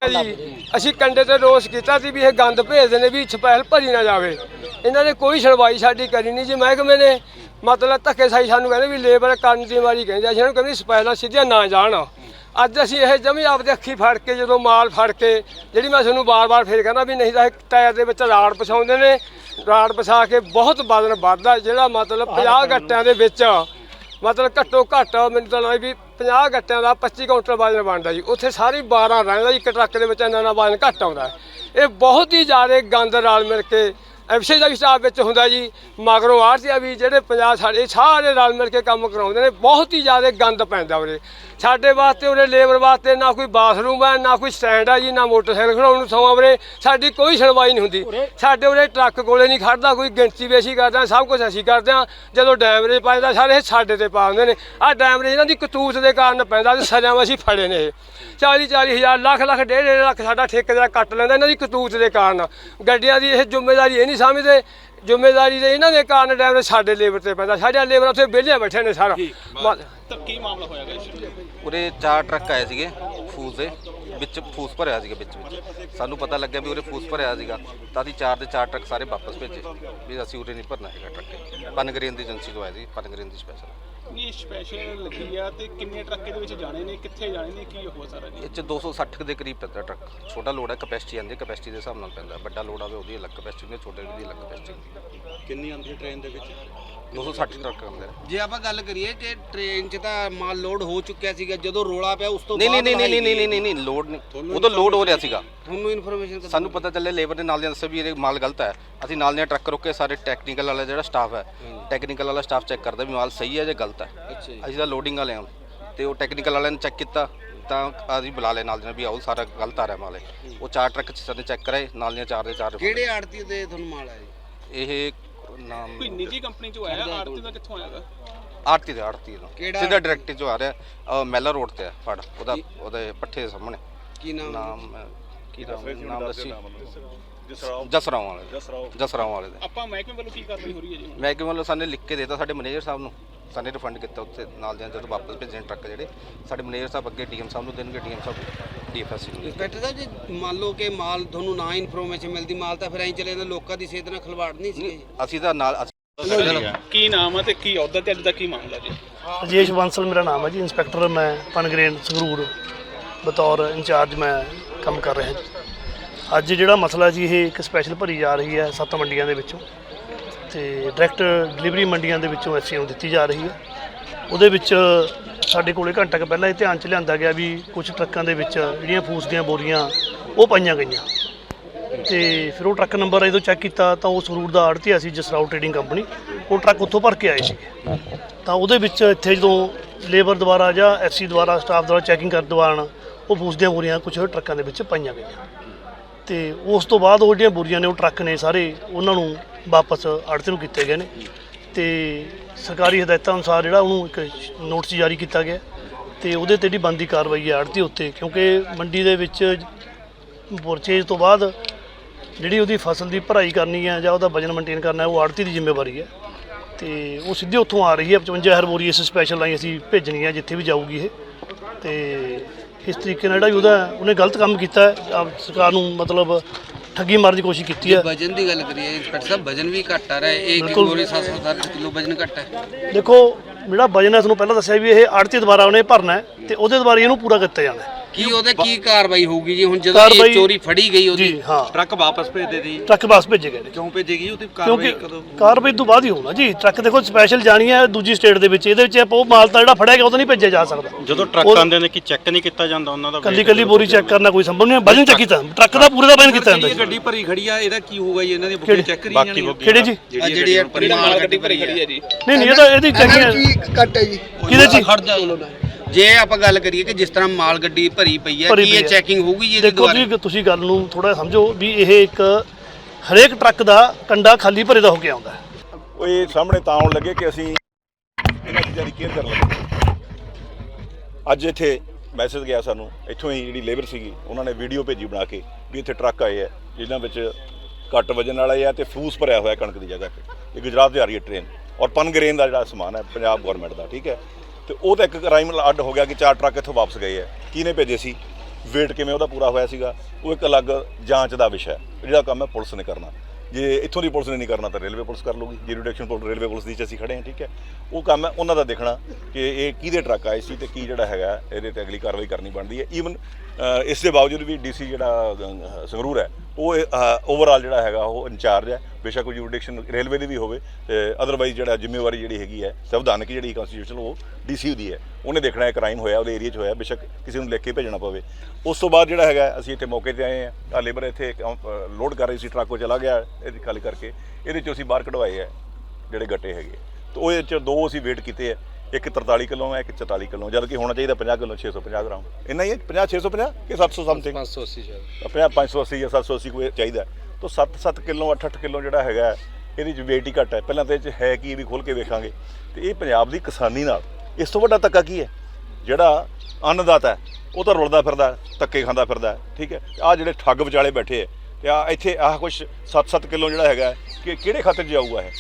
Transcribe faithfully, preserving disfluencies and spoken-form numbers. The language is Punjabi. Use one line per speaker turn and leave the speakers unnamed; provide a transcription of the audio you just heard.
जी असीं कंडे ते रोस कीता सी भी ये गंद भेजदे ने भी स्पैशल भरी ना जावे। इन्हां ने कोई सुणवाई साडी करी नहीं जी। महकमे ने मतलब धक्केशाही सानूं कहंदे भी लेबर करन दी मारी कहंदे असीं इन्हां नूं कहंदे स्पैशल सीधियां ना जाण। अज असीं ਇਹ ਜਮੀ ਆਪਦੇ ਅੱਖੀ ਫੜ ਕੇ ਜਦੋਂ ਮਾਲ ਫੜ ਕੇ ਜਿਹੜੀ ਮੈਂ ਤੁਹਾਨੂੰ ਵਾਰ-ਵਾਰ ਫੇਰ ਕਹਿੰਦਾ ਵੀ ਨਹੀਂ ਤਾਂ ਇਹ ਟਾਇਰ ਦੇ ਵਿੱਚ ਰਾੜ ਪਸਾਉਂਦੇ ਨੇ। ਰਾੜ ਪਸਾ ਕੇ ਬਹੁਤ ਵਜ਼ਨ ਵੱਧਦਾ ਜਿਹੜਾ ਮਤਲਬ ਪੰਜਾਹ ਗੱਟਿਆਂ ਦੇ ਵਿੱਚ ਮਤਲਬ ਘੱਟੋ ਘੱਟ ਮੈਨੂੰ ਤਾਂ ਲੱਗਦਾ ਵੀ ਪੰਜਾਹ ਗੱਟਿਆਂ ਦਾ ਪੱਚੀ ਕੁਇੰਟਲ ਵਜ਼ਨ ਬਣਦਾ ਜੀ। ਉੱਥੇ ਸਾਰੀ ਬਾਰਾਂ ਰਹਿੰਦਾ ਜੀ। ਇੱਕ ਟਰੱਕ ਦੇ ਵਿੱਚ ਇੰਨਾ ਨਾ ਵਜ਼ਨ ਘੱਟ ਆਉਂਦਾ। ਇਹ ਬਹੁਤ ਹੀ ਜ਼ਿਆਦਾ ਗੰਦ ਰਲ ਮਿਲ ਕੇ ਐਫਸੀ ਦਾ ਵੀ ਸਟਾਫ ਵਿੱਚ ਹੁੰਦਾ ਜੀ। ਮਗਰੋਂ ਆੜ੍ਹਤੀਆ ਵੀ ਜਿਹੜੇ ਪੰਜਾਹ ਸਾਡੇ ਸਾਰੇ ਰਲ ਮਿਲ ਕੇ ਕੰਮ ਕਰਾਉਂਦੇ ਨੇ। ਬਹੁਤ ਹੀ ਜ਼ਿਆਦਾ ਗੰਦ ਪੈਂਦਾ ਉਰੇ ਸਾਡੇ ਵਾਸਤੇ। ਉਰੇ ਲੇਬਰ ਵਾਸਤੇ ਨਾ ਕੋਈ ਬਾਥਰੂਮ ਹੈ ਨਾ ਕੋਈ ਸਟੈਂਡ ਹੈ ਜੀ ਨਾ ਮੋਟਰਸਾਈਕਲ ਖੜਾਉਣ ਨੂੰ ਸਮਾਂ। ਉਰੇ ਸਾਡੀ ਕੋਈ ਸੁਣਵਾਈ ਨਹੀਂ ਹੁੰਦੀ। ਸਾਡੇ ਉਰੇ ਟਰੱਕ ਕੋਲੇ ਨਹੀਂ ਖੜਦਾ ਕੋਈ। ਗਿਣਤੀ ਵੀ ਅਸੀਂ ਕਰਦੇ ਹਾਂ, ਸਭ ਕੁਛ ਅਸੀਂ ਕਰਦੇ ਹਾਂ। ਜਦੋਂ ਡੈਮਰੇਜ ਪੈਂਦਾ ਸਾਰੇ ਇਹ ਸਾਡੇ ਤੇ ਪਾ ਦਿੰਦੇ ਨੇ। ਆਹ ਡੈਮਰੇਜ ਇਹਨਾਂ ਦੀ ਕਤੂਤ ਦੇ ਕਾਰਨ ਪੈਂਦਾ ਤੇ ਸਜ਼ਾ ਅਸੀਂ ਫੜੇ ਨੇ। ਇਹ ਚਾਲੀ ਚਾਲੀ ਹਜ਼ਾਰ ਲੱਖ ਲੱਖ ਡੇਢ ਡੇਢ ਲੱਖ ਸਾਡਾ ਠੇਕੇਦਾਰ ਕੱਟ ਲੈਂਦਾ ਇਹਨਾਂ ਦੀ ਕਤੂਤ ਦੇ ਕਾਰਨ। ਗੱਡੀਆਂ ਦੀ ਇਹ ਜ਼ਿੰਮੇਵਾਰੀ ਇਹ ਨਹੀਂ ਸਮਝਦੇ। ਜ਼ਿੰਮੇਵਾਰੀ ਦੇ ਇਹਨਾਂ ਦੇ ਕਾਰਨ ਡਰਾਈਵਰ ਸਾਡੇ ਲੇਬਰ ਤੇ ਪੈਂਦਾ। ਸਾਡੇ ਲੇਬਰ ਉੱਥੇ ਵਿਹਲੇ ਬੈਠੇ ਨੇ ਸਾਰਾ।
ਤਾਂ ਕੀ ਮਾਮਲਾ ਹੋਇਆਗਾ
ਉਰੇ ਚਾਰ ਟਰੱਕ ਆਏ ਸੀਗੇ ਫੂਸ ਦੇ ਵਿੱਚ। ਫੂਸ ਭਰਿਆ ਸੀਗਾ ਵਿੱਚ ਵਿੱਚ ਸਾਨੂੰ ਪਤਾ ਲੱਗਿਆ ਵੀ ਉਰੇ ਫੂਸ ਭਰਿਆ ਸੀਗਾ ਤਾਂ ਅਸੀਂ ਚਾਰ ਦੇ ਚਾਰ ਟਰੱਕ ਸਾਰੇ ਵਾਪਸ ਭੇਜੇ ਵੀ ਅਸੀਂ ਉਰੇ ਨਹੀਂ ਭਰਨਾ ਹੈਗਾ ਟਰੱਕ। ਪਨਗਰੇਨ ਦੀ ਏਜੰਸੀ ਤੋਂ ਆਏ ਸੀ। ਪਨਗਰੇਨ ਦੀ ਸਪੈਸ਼ਲ
ਇਹ ਸਪੈਸ਼ਲ ਲੱਗੀ ਆ ਤੇ ਕਿੰਨੇ ਟਰੱਕ ਇਹਦੇ ਵਿੱਚ ਜਾਣੇ ਨੇ ਕਿੱਥੇ ਜਾਣੇ ਨੇ ਕੀ ਹੋ ਸਾਰਾ ਜੀ?
ਇਹ 'ਚ ਦੋ ਸੌ ਸੱਠ ਦੇ ਕਰੀਬ ਪੈਂਦਾ ਟਰੱਕ। ਛੋਟਾ ਲੋਡ ਹੈ ਕਪੈਸਿਟੀ ਆਉਂਦੀ ਕਪੈਸਿਟੀ ਦੇ ਹਿਸਾਬ ਨਾਲ ਪੈਂਦਾ। ਵੱਡਾ ਲੋਡ ਆਵੇ ਉਹਦੀ ਅਲੱਗ ਕਪੈਸਿਟੀ ਹੁੰਦੀ ਛੋਟੇ ਦੀ ਅਲੱਗ ਕਪੈਸਿਟੀ ਹੁੰਦੀ।
ਕਿੰਨੀ ਆਉਂਦੀ ਹੈ ਟ੍ਰੇਨ ਦੇ ਵਿੱਚ?
ਦੋ ਸੌ ਸੱਠ ਟਰੱਕ ਆਉਂਦੇ ਨੇ।
ਜੇ ਆਪਾਂ ਗੱਲ ਕਰੀਏ ਕਿ ਟ੍ਰੇਨ 'ਚ ਤਾਂ ਮਾਲ ਲੋਡ ਹੋ ਚੁੱਕਿਆ ਸੀਗਾ ਜਦੋਂ ਰੋਲਾ ਪਿਆ ਉਸ ਤੋਂ
ਨਹੀਂ ਨਹੀਂ ਨਹੀਂ ਨਹੀਂ ਨਹੀਂ ਨਹੀਂ ਨਹੀਂ ਲੋਡ ਨਹੀਂ। ਉਦੋਂ ਲੋਡ ਹੋ ਰਿਹਾ ਸੀਗਾ।
ਤੁਹਾਨੂੰ ਇਨਫੋਰਮੇਸ਼ਨ
ਸਾਨੂੰ ਪਤਾ ਚੱਲਿਆ ਲੇਬਰ ਦੇ ਨਾਲ ਦੇ ਦੱਸਿਆ ਵੀ ਇਹ ਮਾਲ ਗਲਤ ਹੈ। ਅਸੀਂ ਨਾਲ ਦੇ ਟਰੱਕ ਰੋਕੇ ਸਾਰੇ ਟੈਕਨੀਕਲ ਵਾਲਾ ਜਿਹੜਾ ਸਟਾਫ ਹੈ ਟੈਕਨੀਕਲ ਵਾਲਾ ਸਟਾਫ ਚੈੱਕ ਕਰਦਾ ਵੀ ਮਾਲ ਸਹੀ ਹੈ ਜਾਂ ਗਲਤ ਹੈ। ਅਸੀਂ ਤਾਂ ਲੋਡਿੰਗ ਵਾਲੇ ਹਾਂ ਤੇ ਉਹ ਟੈਕਨੀਕਲ ਵਾਲਿਆਂ ਨੇ ਚੈੱਕ ਕੀਤਾ ਤਾਂ ਅਸੀਂ ਬੁਲਾ ਲਿਆ ਨਾਲ ਦੇ ਵੀ ਆਓ ਸਾਰਾ ਗਲਤ ਆ ਰਿਹਾ ਮਾਲ। ਉਹ ਚਾਰ ਟਰੱਕ ਸਾਡੇ ਚੈੱਕ ਕਰਾਏ ਨਾਲ ਦੀਆਂ ਚਾਰ ਦੇ ਚਾਰ।
ਕਿਹੜੇ ਆੜਤੀ ਦੇ ਤੁਹਾਨੂੰ ਮਾਲ ਆਇਆ?
ਇਹ ਨਾਮ
ਕੋਈ ਨਿੱਜੀ ਕੰਪਨੀ ਚੋਂ ਆਇਆ? ਆੜਤੀ ਦਾ ਕਿੱਥੋਂ ਆਇਆਗਾ?
ਆਰਤੀ ਦੇ ਆਰਤੀ ਦਾ ਸਿੱਧਾ ਡਾਇਰੈਕਟ ਜੋ ਆ ਰਿਹਾ ਮੈਲਾ ਰੋਡ ਤੇ ਆ ਫੜ ਉਹਦਾ ਉਹਦੇ ਪੱਠੇ ਦੇ ਸਾਹਮਣੇ।
ਕੀ ਨਾਮ?
ਨਾਮ ਕੀ ਨਾਮ ਦੱਸੀ? ਜਸਰਾਓ ਵਾਲੇ। ਜਸਰਾਓ ਵਾਲੇ ਦੇ।
ਆਪਾਂ ਮਹਿਕਮੇ ਵੱਲੋਂ ਕੀ ਕਾਰਵਾਈ ਹੋ ਰਹੀ ਹੈ ਜੀ?
ਮਹਿਕਮੇ ਵੱਲੋਂ ਸਾਨੂੰ ਲਿਖ ਕੇ ਦੇਤਾ ਸਾਡੇ ਮੈਨੇਜਰ ਸਾਹਿਬ ਨੂੰ। ਸਾਨੂੰ ਰਿਫੰਡ ਕੀਤਾ ਉੱਥੇ ਨਾਲ ਦੇ ਜਦੋਂ ਵਾਪਸ ਭੇਜਣ ਟਰੱਕ ਜਿਹੜੇ ਸਾਡੇ ਮੈਨੇਜਰ ਸਾਹਿਬ ਅੱਗੇ ਡੀਐਮ ਸਾਹਿਬ ਨੂੰ ਦੇਣਗੇ। ਡੀਐਮ ਸਾਹਿਬ ਡੀਐਫਐਸਸੀ ਨੂੰ।
ਇੰਸਪੈਕਟਰ ਸਾਹਿਬ ਜੀ ਮੰਨ ਲਓ ਕਿ ਮਾਲ ਤੁਹਾਨੂੰ ਨਾ ਇਨਫੋਰਮੇਸ਼ਨ ਮਿਲਦੀ ਮਾਲ ਤਾਂ ਫਿਰ ਐਂ ਚਲੇ ਜਾਂਦਾ ਲੋਕਾਂ ਦੀ ਸਿਹਤ ਨਾਲ ਖਿਲਵਾੜ ਨਹੀਂ ਸੀ।
ਅਸੀਂ ਤਾਂ ਨਾਲ
ਕੀ ਨਾਮ ਹੈ ਤੇ ਕੀ ਅਹੁਦਾ ਤੇ ਅੱਜ ਦਾ ਕੀ ਮਾਮਲਾ ਜੀ?
ਰਾਜੇਸ਼ ਬਾਂਸਲ ਮੇਰਾ ਨਾਮ ਹੈ ਜੀ। ਇੰਸਪੈਕਟਰ ਮੈਂ ਪਨਗਰੇਨ ਸੰਗਰੂਰ ਬਤੌਰ ਇੰਚਾਰਜ ਮੈਂ ਕੰਮ ਕਰ ਰਿਹਾ ਜੀ। ਅੱਜ ਜਿਹੜਾ ਮਸਲਾ ਜੀ ਇਹ ਇੱਕ ਸਪੈਸ਼ਲ ਭਰੀ ਜਾ ਰਹੀ ਹੈ ਸੱਤ ਮੰਡੀਆਂ ਦੇ ਵਿੱਚੋਂ ਤੇ ਡਾਇਰੈਕਟ ਡਿਲੀਵਰੀ ਮੰਡੀਆਂ ਦੇ ਵਿੱਚੋਂ ਐਸਸੀ ਨੂੰ ਦਿੱਤੀ ਜਾ ਰਹੀ ਹੈ। ਉਹਦੇ ਵਿੱਚ ਸਾਡੇ ਕੋਲੇ ਘੰਟਾ ਕੁ ਪਹਿਲਾਂ ਇਹ ਧਿਆਨ 'ਚ ਲਿਆਂਦਾ ਗਿਆ ਵੀ ਕੁਝ ਟਰੱਕਾਂ ਦੇ ਵਿੱਚ ਜਿਹੜੀਆਂ ਫੂਸ ਦੀਆਂ ਬੋਰੀਆਂ ਉਹ ਪਾਈਆਂ ਗਈਆਂ ਤੇ ਫਿਰ ਉਹ ਟਰੱਕ ਨੰਬਰ ਜਦੋਂ ਚੈੱਕ ਕੀਤਾ ਤਾਂ ਉਹ ਸੰਗਰੂਰ ਦਾ ਆੜ੍ਹਤੀਆ ਸੀ ਜਸਰਾਓ ਟ੍ਰੇਡਿੰਗ ਕੰਪਨੀ। ਉਹ ਟਰੱਕ ਉੱਥੋਂ ਭਰ ਕੇ ਆਏ ਸੀਗੇ ਤਾਂ ਉਹਦੇ ਵਿੱਚ ਇੱਥੇ ਜਦੋਂ ਲੇਬਰ ਦੁਆਰਾ ਜਾਂ ਐਫਸੀ ਦੁਆਰਾ ਸਟਾਫ ਦੁਆਰਾ ਚੈਕਿੰਗ ਕਰਨ ਦੌਰਾਨ ਉਹ ਫੂਸ ਦੀਆਂ ਬੋਰੀਆਂ ਕੁਝ ਟਰੱਕਾਂ ਦੇ ਵਿੱਚ ਪਾਈਆਂ ਗਈਆਂ ਤੇ ਉਸ ਤੋਂ ਬਾਅਦ ਉਹ ਜਿਹੜੀਆਂ ਬੋਰੀਆਂ ਨੇ ਉਹ ਟਰੱਕ ਨੇ ਸਾਰੇ ਉਹਨਾਂ ਨੂੰ ਵਾਪਸ ਆੜ੍ਹਤੀ ਨੂੰ ਕੀਤੇ ਗਏ ਨੇ ਤੇ ਸਰਕਾਰੀ ਹਦਾਇਤਾਂ ਅਨੁਸਾਰ ਜਿਹੜਾ ਉਹਨੂੰ ਇੱਕ ਨੋਟਿਸ ਜਾਰੀ ਕੀਤਾ ਗਿਆ ਤੇ ਉਹਦੇ ਤੇ ਜਿਹੜੀ ਬਣਦੀ ਕਾਰਵਾਈ ਹੈ ਆੜ੍ਹਤੀ ਉੱਤੇ। ਕਿਉਂਕਿ ਮੰਡੀ ਦੇ ਵਿੱਚ ਪਰਚੇਜ ਤੋਂ ਬਾਅਦ ਜਿਹੜੀ ਉਹਦੀ ਫਸਲ ਦੀ ਭਰਾਈ ਕਰਨੀ ਹੈ ਜਾਂ ਉਹਦਾ ਵਜਨ ਮੇਨਟੇਨ ਕਰਨਾ ਹੈ ਉਹ ਆੜ੍ਹਤੀ ਦੀ ਜ਼ਿੰਮੇਵਾਰੀ ਹੈ ਤੇ ਉਹ ਸਿੱਧੇ ਉੱਥੋਂ ਆ ਰਹੀ ਹੈ। ਪਚਵੰਜਾ ਹਜ਼ਾਰ ਬੋਰੀ ਇਸ ਸਪੈਸ਼ਲ ਲਾਈਨ ਅਸੀਂ ਭੇਜਣੀ ਹੈ ਜਿੱਥੇ ਵੀ ਜਾਊਗੀ ਇਹ। ਤੇ ਇਸ ਤਰੀਕੇ ਨਾਲ ਜਿਹੜਾ ਵੀ ਉਹਦਾ ਉਹਨੇ ਗਲਤ ਕੰਮ ਕੀਤਾ ਹੈ ਸਰਕਾਰ ਨੂੰ ਮਤਲਬ ਠੱਗੀ ਮਾਰਨ ਦੀ ਕੋਸ਼ਿਸ਼ ਕੀਤੀ ਹੈ।
ਵਜਨ ਦੀ ਗੱਲ ਕਰੀਏ ਇੰਸਪੈਕਟਰ ਸਾਹਿਬ ਵਜਨ ਵੀ ਘੱਟ ਆ ਰਿਹਾ ਹੈ। ਇੱਕ ਬੋਰੀ ਸੱਤ ਸੌ ਸੱਠ ਕਿਲੋ ਵਜਨ ਘੱਟ ਹੈ।
ਦੇਖੋ ਜਿਹੜਾ ਵਜਨ ਹੈ ਤੁਹਾਨੂੰ ਪਹਿਲਾਂ ਦੱਸਿਆ ਵੀ ਇਹ ਆੜ੍ਹਤੀ ਦੁਆਰਾ ਉਹਨੇ ਭਰਨਾ ਹੈ ਤੇ ਉਹਦੇ ਦੁਆਰਾ ਇਹਨੂੰ ਪੂਰਾ ਕੀਤਾ ਜਾਣਾ ਹੈ।
ਕੀ ਉਹਦੇ ਕੀ ਕਾਰਵਾਈ ਹੋਊਗੀ ਜੀ ਹੁਣ ਜਦੋਂ ਇਹ ਚੋਰੀ ਫੜੀ ਗਈ ਉਹਦੀ?
ਜੀ ਹਾਂ
ਟਰੱਕ ਵਾਪਸ ਭੇਜਦੇ ਸੀ।
ਟਰੱਕ ਵਾਪਸ ਭੇਜੇ ਗਏ ਨੇ।
ਕਿਉਂ ਭੇਜੇਗੀ ਉਹਦੀ ਕਾਰਵਾਈ ਕਦੋਂ?
ਕਾਰਵਾਈ ਤੋਂ ਬਾਅਦ ਹੀ ਹੋਣਾ ਜੀ। ਟਰੱਕ ਦੇਖੋ ਸਪੈਸ਼ਲ ਜਾਣੀ ਹੈ ਦੂਜੀ ਸਟੇਟ ਦੇ ਵਿੱਚ। ਇਹਦੇ ਵਿੱਚ ਉਹ ਮਾਲ ਤਾਂ ਜਿਹੜਾ ਫੜਿਆ ਗਿਆ ਉਹ ਤਾਂ ਨਹੀਂ ਭੇਜਿਆ ਜਾ ਸਕਦਾ।
ਜਦੋਂ ਟਰੱਕ ਆਉਂਦੇ ਨੇ ਕਿ ਚੈੱਕ ਨਹੀਂ ਕੀਤਾ ਜਾਂਦਾ ਉਹਨਾਂ ਦਾ?
ਕੱਲੀ ਕੱਲੀ ਬੋਰੀ ਚੈੱਕ ਕਰਨਾ ਕੋਈ ਸੰਭਵ ਨਹੀਂ। ਵਜਨ ਚੈੱਕ ਕੀਤਾ ਟਰੱਕ ਦਾ ਪੂਰੇ ਦਾ ਵਜਨ ਕੀਤਾ ਜਾਂਦਾ।
ਗੱਡੀ ਭਰੀ ਖੜੀ ਆ ਇਹਦਾ ਕੀ ਹੋਊਗਾ ਜੀ? ਇਹਨਾਂ ਦੀ ਬੁਕਿੰਗ ਚੈੱਕ ਕਰੀ ਜਾਣੀ ਹੈ
ਕਿਹੜੀ ਜੀ?
ਜਿਹੜੀ
ਮਾਲ ਗੱਡੀ ਭਰੀ ਖੜੀ ਹੈ ਜੀ।
ਨਹੀਂ ਨਹੀਂ ਇਹ ਤਾਂ ਇਹਦੀ ਚੈਕਿੰਗ
ਘੱਟ ਹੈ ਜੀ।
ਕਿਹਦੇ ਚ?
ਖੜ ਜਾ ਜੇ ਆਪਾਂ ਗੱਲ ਕਰੀਏ ਕਿ ਜਿਸ ਤਰ੍ਹਾਂ ਮਾਲ ਗੱਡੀ ਭਰੀ ਪਈ ਹੈ ਕੀ ਇਹ ਚੈਕਿੰਗ ਹੋਊਗੀ ਜੀ?
ਦੇਖੋ ਜੀ ਤੁਸੀਂ ਗੱਲ ਨੂੰ ਥੋੜਾ ਸਮਝੋ ਵੀ ਇਹ ਇੱਕ ਹਰੇਕ ਟਰੱਕ ਦਾ ਕੰਡਾ ਖਾਲੀ ਭਰੇ ਦਾ ਹੋ ਕੇ ਆਉਂਦਾ।
ਉਹ ਇਹ ਸਾਹਮਣੇ ਤਾਂ ਆਉਣ ਲੱਗੇ ਕਿ ਅਸੀਂ ਇਹਨਾਂ ਚੀਜ਼ਾਂ ਦੀ ਕੇਅਰ ਕਰਨ ਲੱਗੇ। ਅੱਜ ਇੱਥੇ ਮੈਸੇਜ ਗਿਆ ਸਾਨੂੰ ਇੱਥੋਂ ਹੀ ਜਿਹੜੀ ਲੇਬਰ ਸੀਗੀ ਉਹਨਾਂ ਨੇ ਵੀਡੀਓ ਭੇਜੀ ਬਣਾ ਕੇ ਵੀ ਇੱਥੇ ਟਰੱਕ ਆਏ ਆ ਜਿਨ੍ਹਾਂ ਵਿੱਚ ਘੱਟ ਵਜਨ ਵਾਲੇ ਆ ਤੇ ਫੂਸ ਭਰਿਆ ਹੋਇਆ ਕਣਕ ਦੀ ਜਗ੍ਹਾ 'ਤੇ। ਇਹ ਗੁਜਰਾਤ ਦੀ ਆ ਰਹੀ ਹੈ ਟ੍ਰੇਨ ਔਰ ਪਨਗਰੇਨ ਦਾ ਜਿਹੜਾ ਸਮਾਨ ਹੈ ਪੰਜਾਬ ਗੌਰਮੈਂਟ ਦਾ, ਠੀਕ ਹੈ। ਤੇ ਉਹ ਤਾਂ ਇੱਕ ਕ੍ਰਾਈਮ ਅੱਡ ਹੋ ਗਿਆ ਕਿ ਚਾਰ ਟਰੱਕ ਇੱਥੋਂ ਵਾਪਸ ਗਏ ਆ। ਕਿਹਨੇ ਭੇਜੇ ਸੀ? ਵੇਟ ਕਿਵੇਂ ਉਹਦਾ ਪੂਰਾ ਹੋਇਆ ਸੀਗਾ, ਉਹ ਇੱਕ ਅਲੱਗ ਜਾਂਚ ਦਾ ਵਿਸ਼ਾ ਹੈ, ਜਿਹੜਾ ਕੰਮ ਹੈ ਪੁਲਿਸ ਨੇ ਕਰਨਾ। ਜੇ ਇੱਥੋਂ ਦੀ ਪੁਲਿਸ ਨੇ ਨਹੀਂ ਕਰਨਾ ਤਾਂ ਰੇਲਵੇ ਪੁਲਿਸ ਕਰ ਲੂਗੀ, ਜੁਰੀਡਿਕਸ਼ਨ ਪੁਲਿਸ ਰੇਲਵੇ ਪੁਲਿਸ ਦੀ 'ਚ ਅਸੀਂ ਖੜੇ ਹਾਂ, ਠੀਕ ਹੈ। ਉਹ ਕੰਮ ਹੈ ਉਹਨਾਂ ਦਾ ਦੇਖਣਾ ਕਿ ਇਹ ਕਿਹਦੇ ਟਰੱਕ ਆਏ ਸੀ ਤੇ ਕੀ ਜਿਹੜਾ ਹੈਗਾ ਇਹਦੇ ਤੇ ਅਗਲੀ ਕਾਰਵਾਈ ਕਰਨੀ ਬਣਦੀ ਹੈ। ਈਵਨ ਇਸ ਦੇ ਬਾਵਜੂਦ ਵੀ ਡੀਸੀ ਜਿਹੜਾ ਅ, ਸੰਗਰੂਰ ਹੈ ਉਹ ਓਵਰਆਲ ਜਿਹੜਾ ਹੈਗਾ ਉਹ ਇੰਚਾਰਜ ਹੈ, ਬੇਸ਼ੱਕ ਕੋਈ ਜੁਰੀਡਿਕਸ਼ਨ ਰੇਲਵੇ ਦੀ ਵੀ ਹੋਵੇ, ਅਦਰਵਾਈਜ਼ ਜਿਹੜਾ ਜ਼ਿੰਮੇਵਾਰੀ ਜਿਹੜੀ ਹੈਗੀ ਹੈ ਸੰਵਿਧਾਨਕ ਜਿਹੜੀ ਕੰਸਟੀਟਿਊਸ਼ਨ ਉਹ ਡੀਸੀ ਦੀ ਹੈ, ਉਹਨੇ ਦੇਖਣਾ ਹੈ ਕ੍ਰਾਈਮ ਹੋਇਆ ਉਹਦੇ ਏਰੀਆ 'ਚ ਹੋਇਆ, ਬੇਸ਼ੱਕ ਕਿਸੇ ਨੂੰ ਲਿਖ ਕੇ ਭੇਜਣਾ ਪਵੇ। ਉਸ ਤੋਂ ਬਾਅਦ ਜਿਹੜਾ ਹੈਗਾ ਅਸੀਂ ਇੱਥੇ ਮੌਕੇ 'ਤੇ ਆਏ ਹਾਂ, ਆਹ ਲੇਬਰ ਇੱਥੇ ਲੋਡ ਕਰ ਰਹੀ ਸੀ, ਟਰੱਕ ਉਹ ਚਲਾ ਗਿਆ ਇਹਦੀ ਖਾਲੀ ਕਰਕੇ, ਇਹਦੇ 'ਚੋਂ ਅਸੀਂ ਬਾਹਰ ਕਢਵਾਏ ਹੈ ਜਿਹੜੇ ਗੱਟੇ ਹੈਗੇ। ਤਾਂ ਉਹਦੇ 'ਚ ਦੋ ਅਸੀਂ ਵੇਟ ਕੀਤੇ ਹੈ, ਇੱਕ ਤਰਤਾਲੀ ਕਿਲੋ ਹੈ, ਇੱਕ ਚੁਤਾਲੀ ਕਿਲੋ, ਜਦ ਕਿ ਹੋਣਾ ਚਾਹੀਦਾ ਪੰਜਾਹ ਕਿਲੋ ਛੇ ਸੌ ਪੰਜਾਹ ਗ੍ਰਾਮ, ਇੰਨਾ ਹੀ ਹੈ, ਪੰਜਾਹ ਛੇ ਸੌ ਪੰਜਾਹ ਕਿ ਸੱਤ ਸੌ ਸਮਥਿੰਗ
ਪੰਜ ਸੌ ਅੱਸੀ ਸ਼ਾਇਦ
ਪੰਜਾਹ ਪੰਜ ਸੌ ਅੱਸੀ ਜਾਂ ਸੱਤ ਸੌ ਅੱਸੀ ਕੋਈ ਚਾਹੀਦਾ। ਤਾਂ ਸੱਤ ਸੱਤ ਕਿਲੋ ਅੱਠ ਅੱਠ ਕਿਲੋ ਜਿਹੜਾ ਹੈਗਾ ਇਹਦੇ 'ਚ ਵੇਟ ਹੀ ਘੱਟ ਹੈ। ਪਹਿਲਾਂ ਤਾਂ ਇਹ 'ਚ ਹੈ ਕੀ ਇਹ ਵੀ ਖੋਲ੍ਹ ਕੇ ਵੇਖਾਂਗੇ। ਤੇ ਇਹ ਪੰਜਾਬ ਦੀ ਕਿਸਾਨੀ ਨਾਲ ਇਸ ਤੋਂ ਵੱਡਾ ਧੱਕਾ ਕੀ ਹੈ? ਜਿਹੜਾ ਅੰਨਦਾਤਾ ਹੈ ਉਹ ਤਾਂ ਰੁਲਦਾ ਫਿਰਦਾ, ਧੱਕੇ ਖਾਂਦਾ ਫਿਰਦਾ, ਠੀਕ ਹੈ। ਆਹ ਜਿਹੜੇ ਠੱਗ ਵਿਚਾਲੇ ਬੈਠੇ ਹੈ ਤੇ ਆ ਇੱਥੇ ਆਹ ਕੁਛ ਸੱਤ ਸੱਤ ਕਿਲੋ ਜਿਹੜਾ ਹੈਗਾ ਕਿ ਕਿਹੜੇ ਖਾਤੇ 'ਚ ਜਾਊਗਾ ਇਹ?